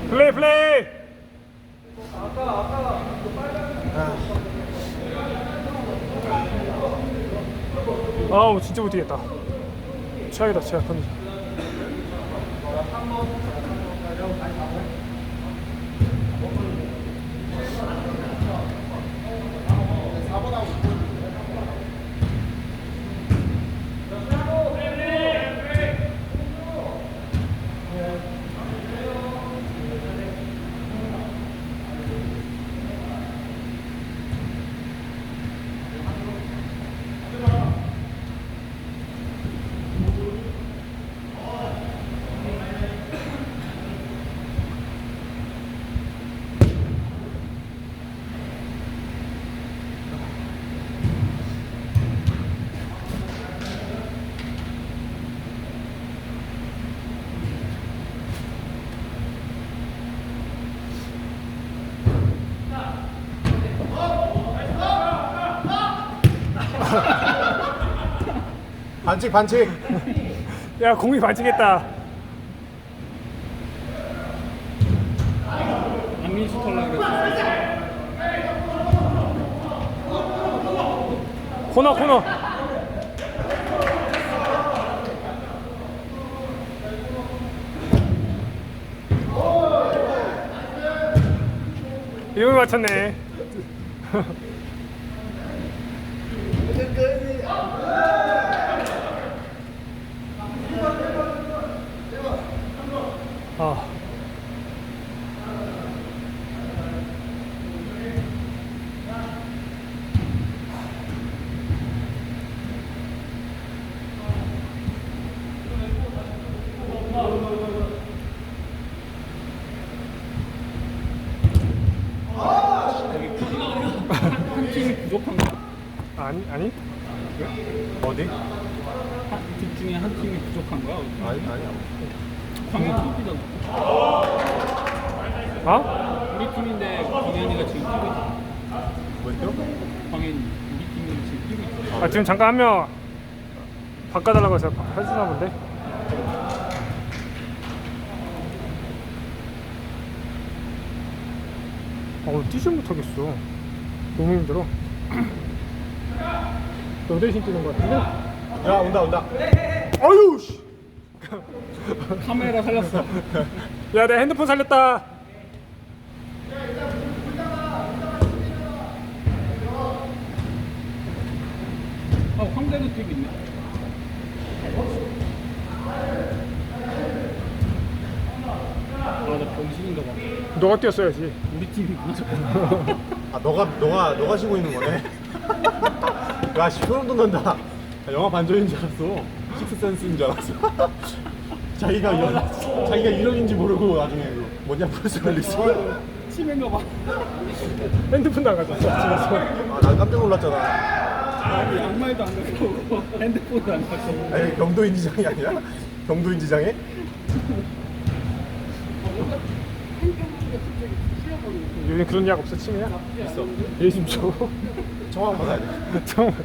플레이 플레이. 아우 진짜 못뛰겠다. 최악이다 최악 컨디션. 반칙 반칙. 야 공이 반칙했다. 안민수 털라 그랬어. 코너 코너. 이걸 맞췄네. 아. 한 팀이 부족한가? 아니? 어디? 둘 중에 한 팀이 부족한가? 아니. 광현 팀이잖아. 어? 우리 팀인데 광현이가 지금 뛰고 있어. 뭐죠? 광현이 우리 팀이 지금 뛰고 있어. 아 지금 잠깐 한 명 바꿔달라고 해서 해주나 본데. 오늘 뛰지 못하겠어. 너무 힘들어. 너 대신 뛰는 거 같은데? 야 온다. 아유 씨. 카메라 살렸어. 야 내 핸드폰 살렸다. 황대도 뛰고 있네. 나 병신인가 봐. 너가 뛰었어야지. 우리 팀이구나. 아 너가 쉬고 있는 거네. 야 소름 돋는다. 영화 반전인 줄 알았어. 식스센스인 줄 알았어. 자기가 이력인지 모르고 나중에 뭐냐 프레스 걸리지. 치매인가 봐. 핸드폰 나가졌어 집에서. 아난 깜짝 놀랐잖아. 아니, 양말도 안 갖고 핸드폰도 안 갖고. 아니 경도인지장이 아니야? 경도인지장에? 요즘 그런 약 없어 치매야? 있어. 얘 좀 줘. 청와대 받아야 돼. 정말.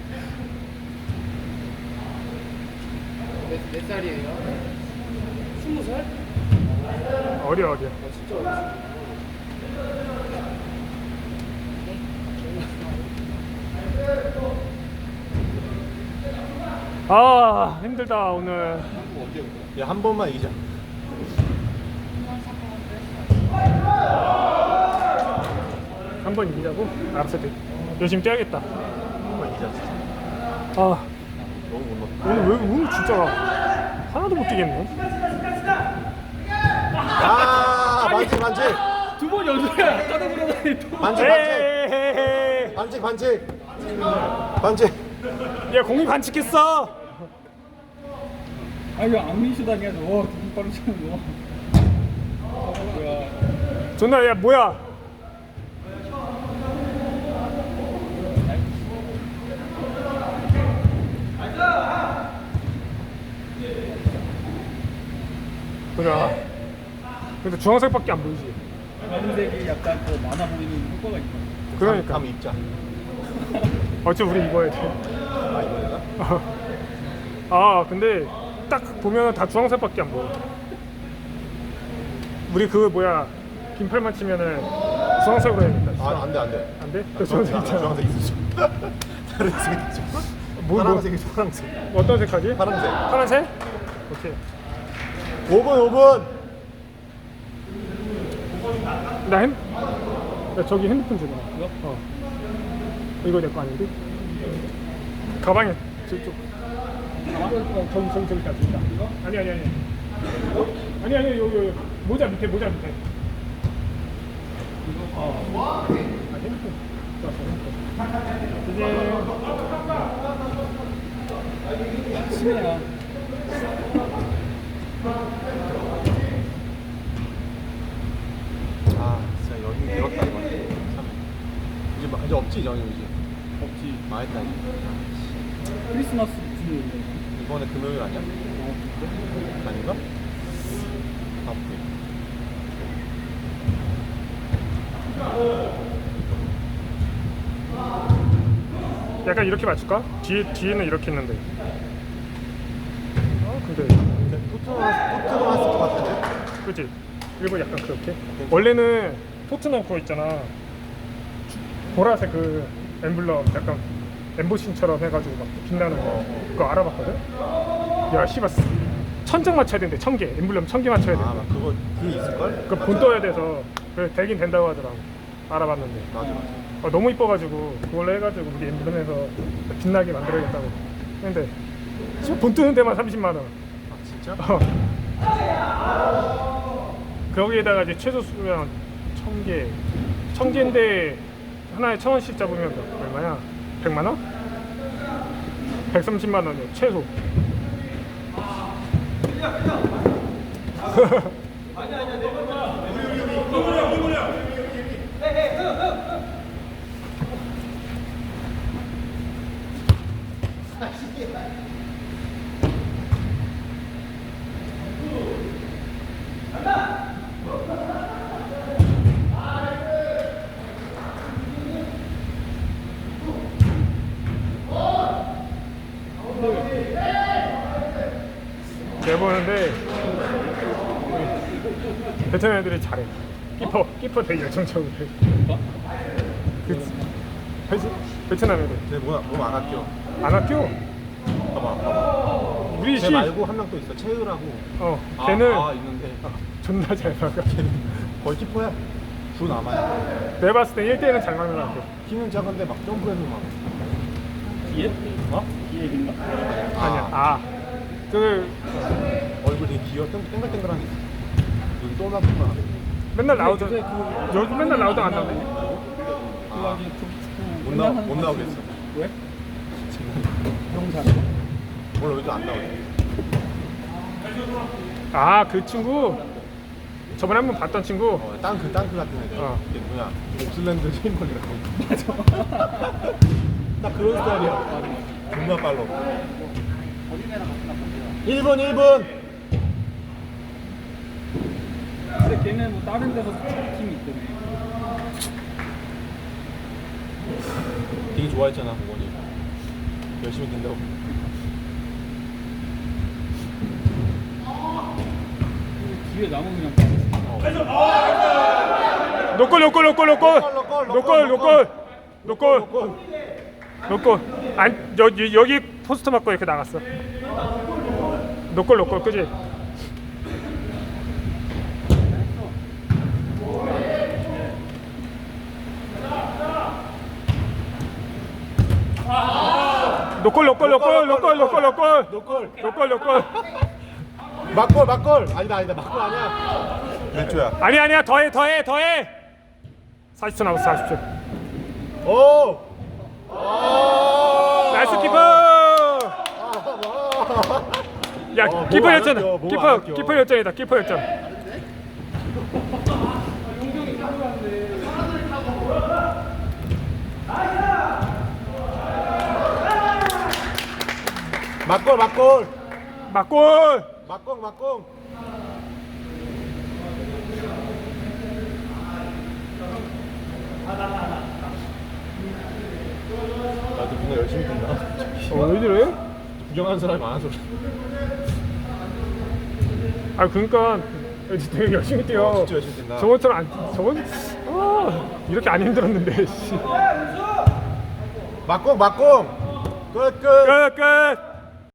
몇 살이에요? 20살? 어려. 아 힘들다 오늘. 야 한 번만 이기자. 한 번 이기자고? 알았어 돼. 열심히 뛰어야겠다. 한 번만 이기자. 진짜. 아 너무 못 넣었다. 오늘 진짜 하나도 못 뛰겠네. 야 반칙. 두 번 연속이야. 따라불어다니 또. 반칙. 에헤헤. 반칙. 야 공이 반칙했어. 아 이거 안민수 당해서 와 두분 빠르 치는 거. 뭐야? 존나 야 뭐야? 보자. 근데 주황색밖에 안 보이지. 검은색이 약간 더 많아 보이는 효과가 있다. 그러니까. 한번 입자. 어차피 우리 입어야 돼. 아 이거 되나? 아 근데 딱 보면 다 주황색밖에 안 보여. 우리 그 뭐야 긴팔만 치면은 주황색으로 해야겠다. 아, 안 돼, 안 돼. 안 돼? 또 주황색 있잖아. 주황색 있어. 다른 색이죠. 뭐? 파란색이죠, 파란색. 어떤 색하지? 파란색. 파란색? 오케이. 5분. 나 저기 핸드폰 주나? 이거? 이거 내 거 아닌데? 가방에 저쪽. 저기 있다. 이거? 아니. 아니, 여기. 모자 밑에. 이거? 핸드폰. 이제 치매야. 아, 진짜 연휴 길었다 이번. 참. 이제 없지 연휴 이제. 없지. 망했다 이제. 크리스마스 무슨 일이야? 이번에 금요일 아니야? 아닌가? 바쁘. 약간 이렇게 맞출까? 뒤에는 이렇게 있는데. 근데 토트넘 스트 같은데? 그치? 일본 약간 그렇게? 원래는 토트넘 그거 있잖아. 보라색 그 엠블럼 약간 엠보싱처럼 해가지고 막 빛나는 거 그거 알아봤거든? 야 씨발 천장 맞춰야 된대. 1000개 엠블럼 1000개 맞춰야 아, 된대. 막 그거 있을걸? 그거 본 떠야 돼서 그래 되긴 된다고 하더라고. 알아봤는데 맞아. 너무 이뻐가지고 그걸로 해가지고 우리 엠블럼에서 빛나게 만들어야겠다고 근데 지금 본 뜨는 데만 30만 원. 아, 진짜? 거기에다가 이제 최소 수량 1000개 1000개인데 하나에 1000원씩 잡으면 얼마야? 100만 원? 130만 원이야 최소. 내보는데 베트남 애들이 잘해. 키퍼 되게 열정적으로 해. 그치? 베트남 애들 쟤 몸안 아껴. 안 아껴. 봐봐. 우리 쟤 말고 한 명 또 있어. 채우라고. 걔는 있는데. 존나 잘 막아. 거의 키퍼야. 주 남아야. 내가 봤을 때 1대1은 잘 막는 것 같아. 키는 작은데 막 점프해서 막. 기획? 어? 기획인가? 아니야. 그 얼굴 되게 귀여워. 땡글땡글하게. 눈 또막또막. 맨날 나오던 요새 요즘 맨날 나오던 안 나오네. 아, 축구 못 나오겠어. 왜? 영상. 원래 요즘 안 나오지. 그 친구 저번에 한번 봤던 친구. 땅크 같은 애들. 이게 뭐야? 옵슬랜드 체인벌이라고. 맞아. 딱 그런 스타일이야. 존나 빨라. 1분. 근데 걔네 뭐 다른 데서 팀이 있더네. 되게 좋아했잖아, 부모님. 열심히 된다고. 뒤에 나무 그냥 노골. 안 여기 포스터 맞고 이렇게 나갔어. 노골 그지? 노골. 막골. 아니다. 막골 아니야. 몇 조야? 아니야. 더해. 40초 남았어. 40초. 오! 나이스 키퍼. 야, 키퍼 열전. 키퍼 열전이다. 키퍼 열전. 막골. 나도 뭔가 열심히 뛴다. 왜 이래? 구경하는 사람이 많아서 그래. 그러니까 되게 열심히 뛰어. 진짜 열심히 뛴다. 저번처럼 안 저번 이렇게 안 힘들었는데. 씨. 막공 막공 끝 끝. 끝 끝.